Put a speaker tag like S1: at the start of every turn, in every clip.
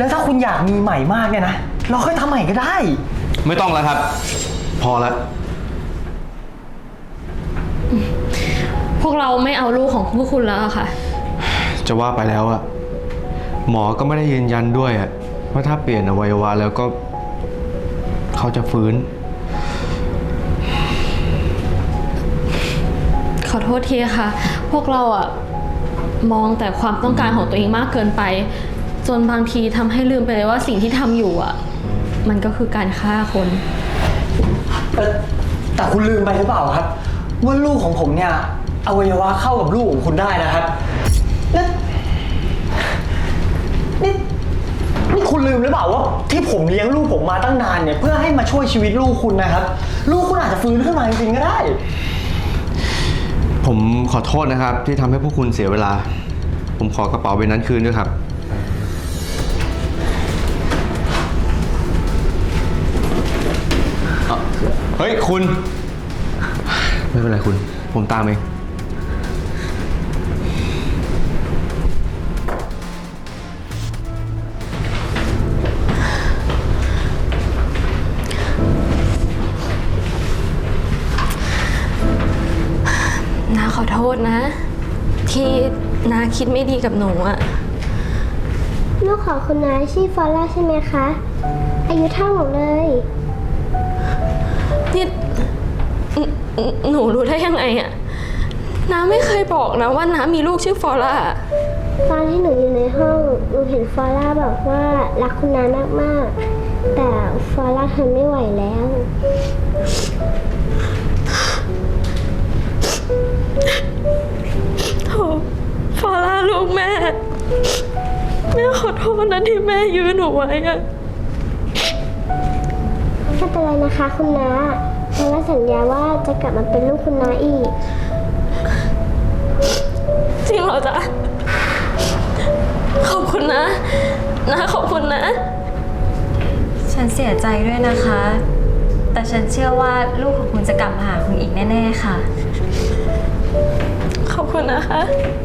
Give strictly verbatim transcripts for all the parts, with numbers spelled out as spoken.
S1: แล้วถ้าคุณอยากมีใหม่มากเนี่ยนะเราค่อยทำใหม่ก็ได้
S2: ไม่ต้องแล้วครับพอแล้ว
S3: พวกเราไม่เอาลูกของพวกคุณแล้วค่ะ
S2: จะว่าไปแล้วอะหมอก็ไม่ได้ยืนยันด้วยอะว่าถ้าเปลี่ยนอวัยวะแล้วก็เขาจะฟื้น
S3: ขอโทษทีค่ะพวกเราอะมองแต่ความต้องการของตัวเองมากเกินไปจนบางทีทำให้ลืมไปเลยว่าสิ่งที่ทำอยู่อะมันก็คือการฆ่าคน
S1: แต่คุณลืมไปหรือเปล่าครับว่าลูกของผมเนี่ยอวัยวะเข้ากับลูกของคุณได้นะครับแล้วนี่นี่คุณลืมหรือเปล่าว่าที่ผมเลี้ยงลูกผมมาตั้งนานเนี่ยเพื่อให้มาช่วยชีวิตลูกคุณนะครับลูกคุณอาจจะฟื้นขึ้นมาจริงๆก็ได้
S2: ผมขอโทษนะครับที่ทำให้พวกคุณเสียเวลาผมขอกระเป๋าใบนั้นคืนด้วยครับเฮ้ยคุณไม่เป็นไรคุณผมตามเอง
S3: น้าขอโทษนะที่น้าคิดไม่ดีกับหนูอะ
S4: ลูกของคุณน้าชื่อฟอร่าใช่ไหมคะอายุเท่าหนูเลย
S3: นี่หนูรู้ได้ยังไงอะน้าไม่เคยบอกนะว่าน้ามีลูกชื่อฟอร่า
S4: ตอนที่หนูอยู่ในห้องหนูเห็นฟอร่าบอกว่ารักคุณน้ามากๆแต่ฟอร่าทนไม่ไหวแล้ว
S3: โถฟอร่าลูกแม่แม่ขอโทษนะที่แม่ยืนหนูไว้อะ
S4: ไม่เป็นไรนะคะคุณน้าฟอร่าสัญญาว่าจะกลับมาเป็นลูกคุณน้าอีก
S3: จริงเหรอจ๊ะขอบคุณนะนะขอบคุณนะ
S5: ฉันเสียใจด้วยนะคะแต่ฉันเชื่อว่าลูกของคุณจะกลับมาหาคุณอีกแน่ๆค่ะ
S3: ขอบคุณนะคะ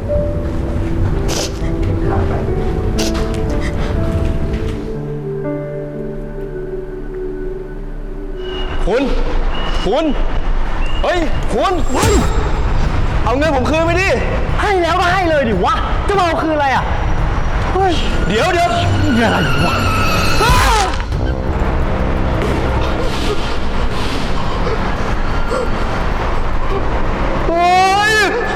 S2: คุณคุณเฮ้ยคุณเฮ้ยเอาเงินผมคืนไปดิ
S1: ให้แล้วก็ให้เลยดิวะจะมาเอาคืนอะไรอ่ะเฮ้ย
S2: เดี๋ยวเดี๋ยว
S1: อะไรวะ
S2: โอ้ย